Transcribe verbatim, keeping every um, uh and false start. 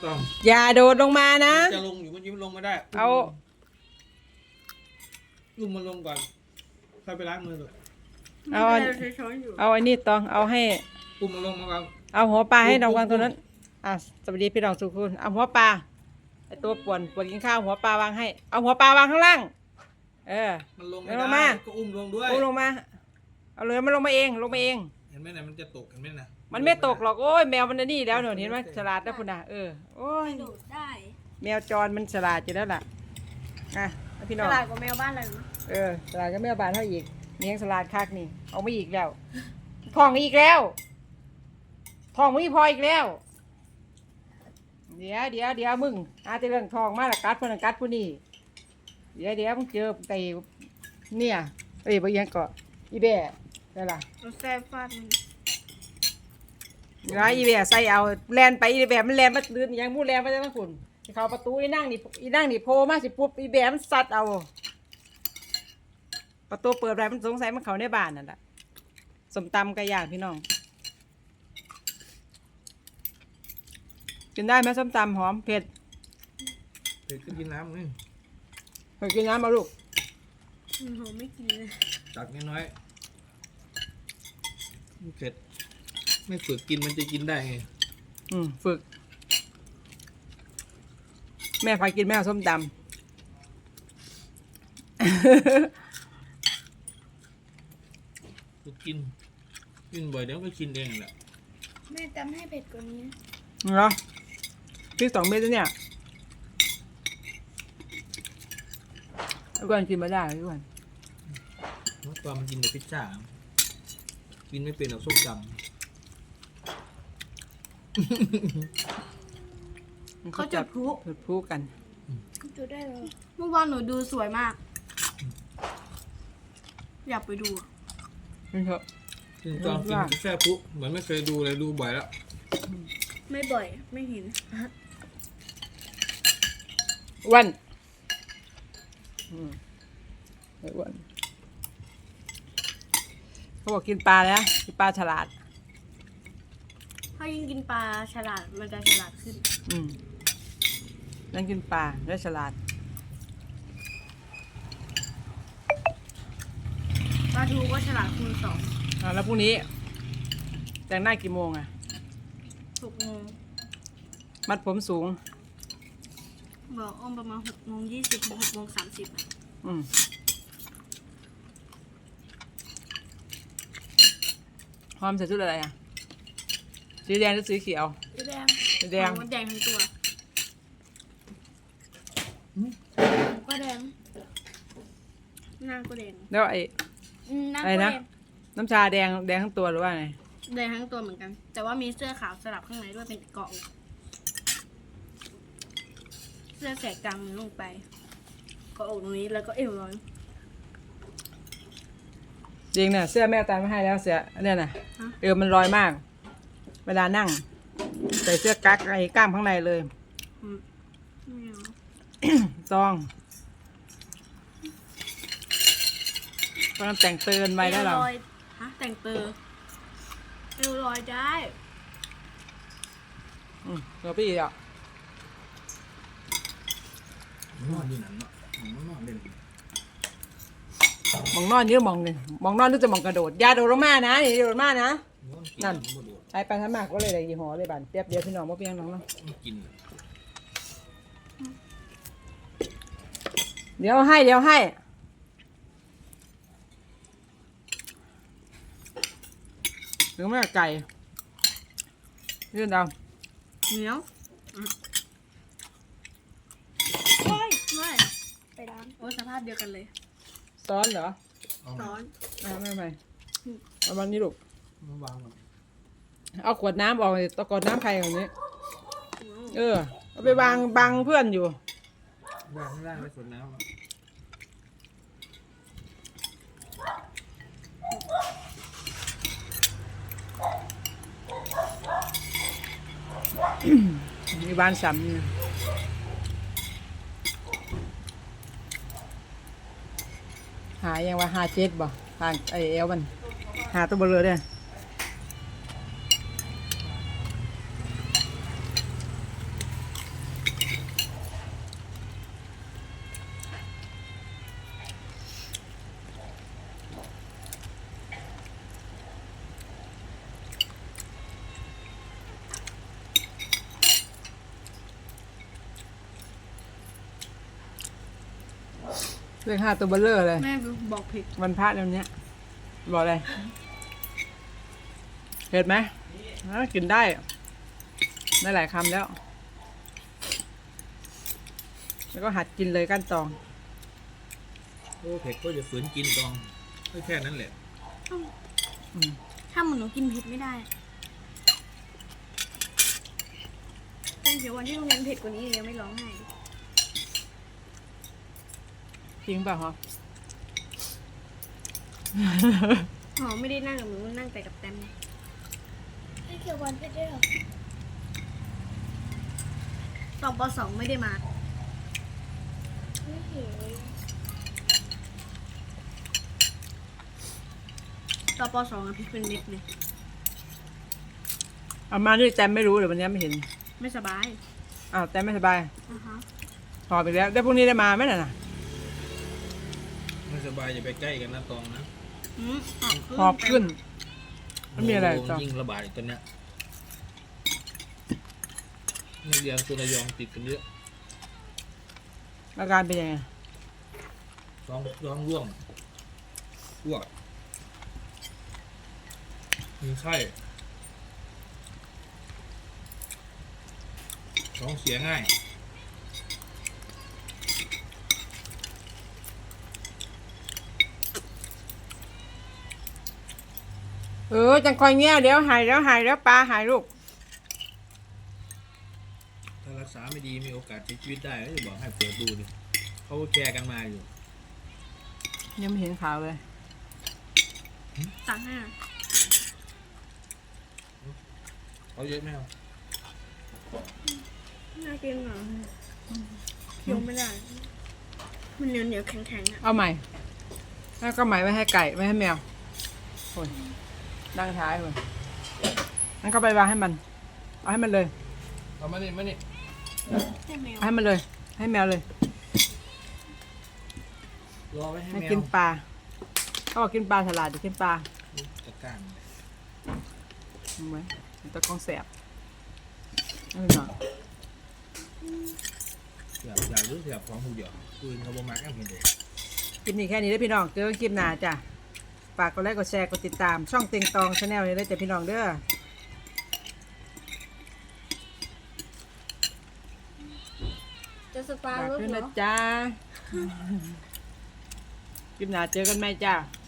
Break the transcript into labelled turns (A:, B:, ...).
A: ต้อง
B: อย่าโดดลงมานะ
A: จะลงอยู่มันยิ้มลงไม่ได้
B: เอา
A: ลุมมันลงก่อนค่อยไปล้างมือเลย
B: เอา
C: ไม่เป็นไรเราใช้ช้อนอยู่
B: เอาอันนี้ต้องเอาให้
A: ปุ่มมันลงมาก่อน
B: เอาหัวปลาให้น้องวางตรงนั้นอ่ะสวัสดีพี่น้องทุกคนเอาหัวปลาไอตัวป่วนป่วนกินข้าวหัวปลาวางให้เอาหัวปลาวางข้างล่างเออ
A: มันลงไม่
B: ลง
A: ได้
B: มา
A: ก็อุ้มลงด้วย
B: อุ้มลงมาเอาเลยมันลงมาเองลงมาเอง
A: เห็นไหมนะมันจะตกเห็นไหมนะ
B: มันไม่ตกหรอกโอ้ยแมวมันนี่แล้วหนูเห็นไหมฉลาดนะคุณน่ะเออโอ้ย
C: โดดได้
B: แมวจรมันฉลาดอยู่แล้วล่ะอ่ะพี่น้
C: ต
B: อง
C: ลาดกว่าแมวบ้านเลยมั้ย
B: เออฉลาดก็แมวบานเท่าอีกเลี้ยงฉลาดคักนี่เอาไม่อีกแล้วทองอีกแล้วทองไม่พออีกแล้ว เดี๋ยวเดี๋ยวเดี๋ยวมึงอาจะเรื่องทองมาละกัดเพื่อนกัดผู้นี่เดี๋ยวเดี๋ยวมึงเจอไก่เนี่ยเอ้ยบางอย่างก็อีแบ่ได้ล่ะ
C: เราแซ่บฟาดมัน
B: เดี๋ยวอีแบ่ใส่เอาแลนไปอีแบ่มันแลนมาตื่นยังมูแลนมาจากทั้งคุณเขาประตูอีนั่งนี่อีนั่งนี่โผล่มาสิปุ๊บอีแบ่มันสัดเอาประตูเปิดไปมันสงสัยมันเขาในบ้านนั่นแหละสมตำไก่ย่างพี่น้องกินได้ไหมส้มตำหอมเผ็ด
A: เผ็ดก็กินน้ำนี่
B: เผ็ดกินน้ำมาลูก
C: มันหอมไม่กินเลย
A: ตักน้อยๆเผ็ดไม่ฝึกกินมันจะกินได้ไง
B: อืมฝึก แม่พากินแม่เอาส้มตำ
A: ฝึกกินกินบ่อยเดี๋ยวก็กินเองแหละ
C: แม่จำให้เผ็ดกว่านี้
B: เหรอพริกสองเม็ดแล้วเนี่ยทุกคนกินมาได้ทุกคน
A: เมื่อก่อนมันกินแต่พิซซ่ากินไม่เป็นหรอกส้มตำ
C: เขาจุดพลุ
B: จุดพลุกัน
C: จุดได้เลยเมื่อวานหนูดูสวยมาก อยากไปดูอะ
B: นี่เถอะ
A: กินตอนกินแค่ปุ๊เหมือนไม่เคยดูเลยดูบ่อยแล้ว
C: ไม่บ่อยไม่เห็น
B: อ้วันอืมไอ้อ้วันเขาบอกกินปลาแล้วกินปลาฉลาด
C: ถ้ายิ่งกินปลาฉลาดมันจะฉลาดขึ้น
B: อืมนั่นกินปลาได้ฉลาด
C: ปลาทูก็ฉลาดคูณสอง
B: อ่าแล้วพรุ่งนี้แต่งหน้ากี่โมงอ่ะ
C: หกโมง
B: มัดผมสูง
C: บอกอ้อมประมาณหกโมงยี่สิบหกโมงสามสิบ
B: อืมหอมใส่ชุดอะไรอ่ะ สีแดงหรือสีเขียว
C: สีแดง
B: สีแดง
C: มันแดงทั้งตัวก็แดงหน้าก็แดง
B: แล้วไอ้
C: อืมหน้า
B: อะไร
C: ก็
B: นะ
C: แดง
B: น้ำชาแดงแดงทั้งตัวหรือว่าไง
C: แดงทั้งตัวเหมือนกัน แต่ว่ามีเสื้อขาวสลับข้างในด้วยเป็นเกาะอกเสื้อแสกกลางมือลงไปเกาะอกตรงนี้แล้วก็เอวร้อน
B: จริงเนี่ยเสื้อแม่ตามมาให้แล้วเสื้อเนี่ยนะเอวมันลอยมาก เวลานั่ง ใส่เสื้อกั๊กไอ้กล้ามข้างในเลย
C: อืมไม่เอา
B: ซองตอนนั้นแต่งเตือนไว้ได้หรอ
C: เอวลอยฮะแต่งเตอร์เอวลอยได้
B: อืมเดี๋ยวพี่อ่ะ
A: นอนอยู่นั่นเนาะมันนอนเล่น
B: มองนอนนี่มองเลยมองนอนนึกจะมองกระโดดอยาโดดลงมานะนี่โดดมานะ นั่น ใช้ไปทั้งมากก็เลยได้ยี่ห้อเลยบันเปียบเดียวพี่น้องมาเพียงน้องเนาะ
A: กิน
B: เดี๋ยวให้เดี๋ยวให้หรือไม่ไก่ยื่นเอา
C: เหนียวโอ้ยไม่ไปร้านโอ้สภาพเดียวกันเลย
B: ซ้อนเหรอ
C: ร้อน
B: อ่าไม่ไม่เอาวันนี้ลูก
A: มาวางก่อน
B: เอาขวดน้ำออกเลยตะกอนน้ำใครอย่างนี้ เออเอาไปวางบังเพื่อนอยู่
A: วางข้างล่างไว้ส่วนน้ำ
B: มีบ้านซ้ำเนี่ยหายังว่าหาเจ็ดบ่ทางไอเอลมันหาตัวเบลอเนี่ยเลขห้าตัวเบลเลอร์เลย
C: แม่บอกผิด
B: วันพระเดี๋ยวนี้บอกเลยเผ็ดไหมอ่ะกินได้ ได้หลายคำแล้ว แล้วก็หัดกินเลยก้านตอง
A: โอ้เผ็ดก็จะฝืนกินตองก็แค่นั้นแหละ
B: อืม
C: ถ้าเหมือนหนูกินเผ็ดไม่ได้ตั้งแต่วันที่โรงเรียนเผ็ดกว่านี้ยังไม่ร้องไห้
B: จริงเปล่าฮะ
C: หอไม่ได้นั่งกับหนูนั่งแต่กับแตม
D: ไอ้เขียววันเผ็ดด้วยเหรอ
C: ตอนปสองไม่ได้มา
D: ไม่เห็น
C: ตอนปสองอะพริกเป็นเม็ดเลย
B: เอามาด้วยแจมไม่รู้เดี๋ยววันนี้ไม่เห็น
C: ไม่สบาย
B: อ้าวแจมไม่สบาย
C: อ่าฮะ
B: หอบอีกแล้วได้พรุ่งนี้ได้มาไหมน่ะนะ
A: ไม่สบายอย่าไปใกล้กันนะตองนะ
C: อืมหอบขึ้น
B: หอบขึ้นไม่มีอะไร
A: โโห
B: จ้ะ
A: ยิ่งระบาดอีกตอนเนี้ยนักเรียนตัวระยองติดกันเยอะ
B: อาการเป็นยังไง
A: ร้องร้องร่วงอ้วกมีไข้ท้องเสียง่าย
B: เออจังคอยเงี้ยเดี๋ยวหายแล้วหายแล้วปลาหายลูก
A: ถ้ารักษาไม่ดีมีโอกาสเสียชีวิตได้ก็จะบอกให้เปิดดูดิเขาก็แชร์กันมาอยู่
B: ยังไม่เห็นข่าวเลย
C: ตักห้า
A: เขาเยอะไหมครับ
C: น่ากินเหรอเคี้ยวไม่ได้ มันเหนียวเหนียวๆแข็งแข็งๆอะ
B: เอาใหม่แล้วก็ใหม่ไว้ให้ไก่ไว้ให้แมวโอ้ยดังท้ายเลยงั้นก็ไปวางให้มัน เอาให้มันเลย
A: เอามานี่มานี่
C: ให้แมว
B: เอาให้มันเลย ให้แมวเลย
A: รอไว้ให้
B: ให้
A: แมว
B: กินปลาเขาบอกกินปลาฉลาดจะกินปลา
A: จัดการ
B: เห็นไหมมันตะกองแสบเอาไปหน่อย
A: อยากอยากรู้อยากของหูเดียวปืนเขาบอกมาแค่เห็นเด็ก
B: คลิปนี้แค่นี้ได้อพี่น้องเจอกันคลิปหน้าจ้ะฝากกดไลค์กดแชร์กดติดตาม ช่องเต็งตองชาแนลนี้ได้จ้ะพี่น้องเด้อ
C: จะสปา
B: ฝาก
C: รถ
B: ด้วย
C: เหร
B: นะ
C: อ
B: จ๊ะคลิปหน้าเจอกันไหมจ้ะ